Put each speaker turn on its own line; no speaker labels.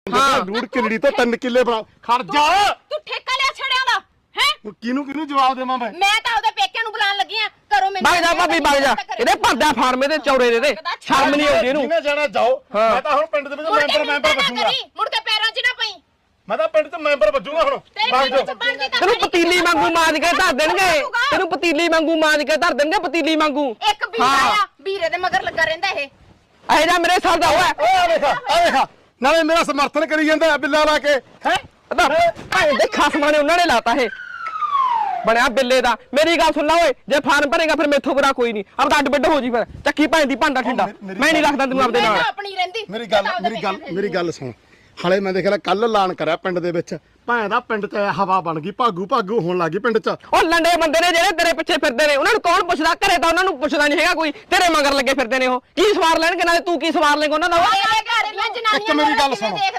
ਡੂੜ ਕਿੱਲੜੀ ਤੋਂ 3 ਕਿੱਲੇ ਬਣਾ ਖੜ ਜਾ
ਤੂੰ ਠੇਕਾ ਲਿਆ ਛੜਿਆਂ ਦਾ ਹੈ
ਕਿਹਨੂੰ ਜਵਾਬ ਦੇਵਾਂ ਮੈਂ
ਤਾਂ ਉਹਦੇ ਪੇਕਿਆਂ ਨੂੰ ਬੁਲਾਉਣ ਲੱਗੀ ਆ ਕਰੋ ਮੈਨੂੰ
ਵਗ ਜਾ ਭਾਬੀ ਵਗ ਜਾ ਇਹਦੇ ਭਰਦਾ ਫਾਰਮੇ ਦੇ ਚੌੜੇ ਦੇ ਸ਼ਰਮ ਨਹੀਂ ਆਉਂਦੀ ਇਹਨੂੰ
ਜਿਹਨੇ ਜਾਣਾ ਜਾਓ ਮੈਂ ਤਾਂ ਹੁਣ ਪਿੰਡ ਦੇ ਵਿੱਚ ਮੈਂਬਰ ਬਚੂਗਾ
ਮੁੜ ਕੇ ਪੈਰਾਂ 'ਚ ਨਾ ਪਈ
ਮੈਂ ਤਾਂ ਪਿੰਡ 'ਚ ਮੈਂਬਰ ਬਚੂਗਾ ਹੁਣ ਵਗ ਜਾ
ਤੈਨੂੰ ਪਤੀਲੀ ਵਾਂਗੂ ਮਾਂਜ ਕੇ ਧਰ ਦੇਣਗੇ ਤੈਨੂੰ ਪਤੀਲੀ ਵਾਂਗੂ ਮਾਂਜ ਕੇ ਧਰ ਦੇਣਗੇ ਪਤੀਲੀ ਵਾਂਗੂ
ਇੱਕ ਵੀਰਾ ਆ ਵੀਰੇ ਦੇ ਮਗਰ ਲੱਗਾ ਰਹਿੰਦਾ ਇਹ
ਇਹ ਜਾ ਮੇਰੇ ਸਾਲ ਦਾ ਹੋਇਆ
ਆ ਵੇਖ ਨਾਲੇ ਮੇਰਾ ਸਮਰਥਨ ਕਰੀ ਜਾਂਦਾ ਬਿੱਲਾ ਲਾ ਕੇ ਹੈ
ਭਾਈ ਦੇ ਖਸਮਾਂ ਨੇ ਉਹਨਾਂ ਨੇ ਲਾਤਾ ਇਹ ਬਣਿਆ ਬਿੱਲੇ ਦਾ ਮੇਰੀ ਗੱਲ ਸੁਣ ਲਾ ਓਏ ਜੇ ਫਾਰਮ ਭਰੇਗਾ ਫਿਰ ਮੈਥੋਂ ਬੁਰਾ ਕੋਈ ਨਹੀਂ ਆਪਦਾ ਅੱਡ ਬਿੱਡ ਹੋ ਜੀ ਫਿਰ ਚੱਕੀ ਭਾਂ ਦੀ ਭਾਂਡਾ ਠੰਡਾ ਮੈਂ ਨਹੀਂ ਰੱਖਦਾ ਤੈਨੂੰ ਆਪਦੇ ਨਾਲ
ਆਪਣੀ ਰਹਿੰਦੀ
ਮੇਰੀ ਗੱਲ ਸੁਣ ਹਲੇ ਮੈਂ ਦੇਖ ਲਿਆ ਕੱਲ ਐਲਾਨ ਕਰਿਆ ਪਿੰਡ ਦੇ ਵਿੱਚ ਭਾਂ ਦਾ ਪਿੰਡ 'ਚ ਹਵਾ ਬਣ ਗਈ ਭਾਗੂ ਹੋਣ ਲੱਗੀ ਪਿੰਡ 'ਚ
ਉਹ ਲੰਡੇ ਬੰਦੇ ਨੇ ਜਿਹੜੇ ਤੇਰੇ ਪਿੱਛੇ ਫਿਰਦੇ ਨੇ ਉਹਨਾਂ ਨੂੰ ਕੌਣ ਪੁੱਛਦਾ ਘਰੇ ਤਾਂ ਉਹਨਾਂ ਨੂੰ ਪੁੱਛਦਾ ਨਹੀਂ ਹੈਗਾ ਕੋਈ ਤੇਰੇ ਮਗਰ ਲੱਗੇ ਫਿਰਦੇ ਨੇ ਉਹ ਕੀ ਸਵਾਰ ਲੈਣਗੇ ਨਾਲੇ ਤੂੰ ਕੀ ਸਵਾਰ ਲੇਂਗਾ ਉਹਨਾਂ ਦਾ
ਇੱਕ ਮੇਰੀ ਗੱਲ ਸੁਣ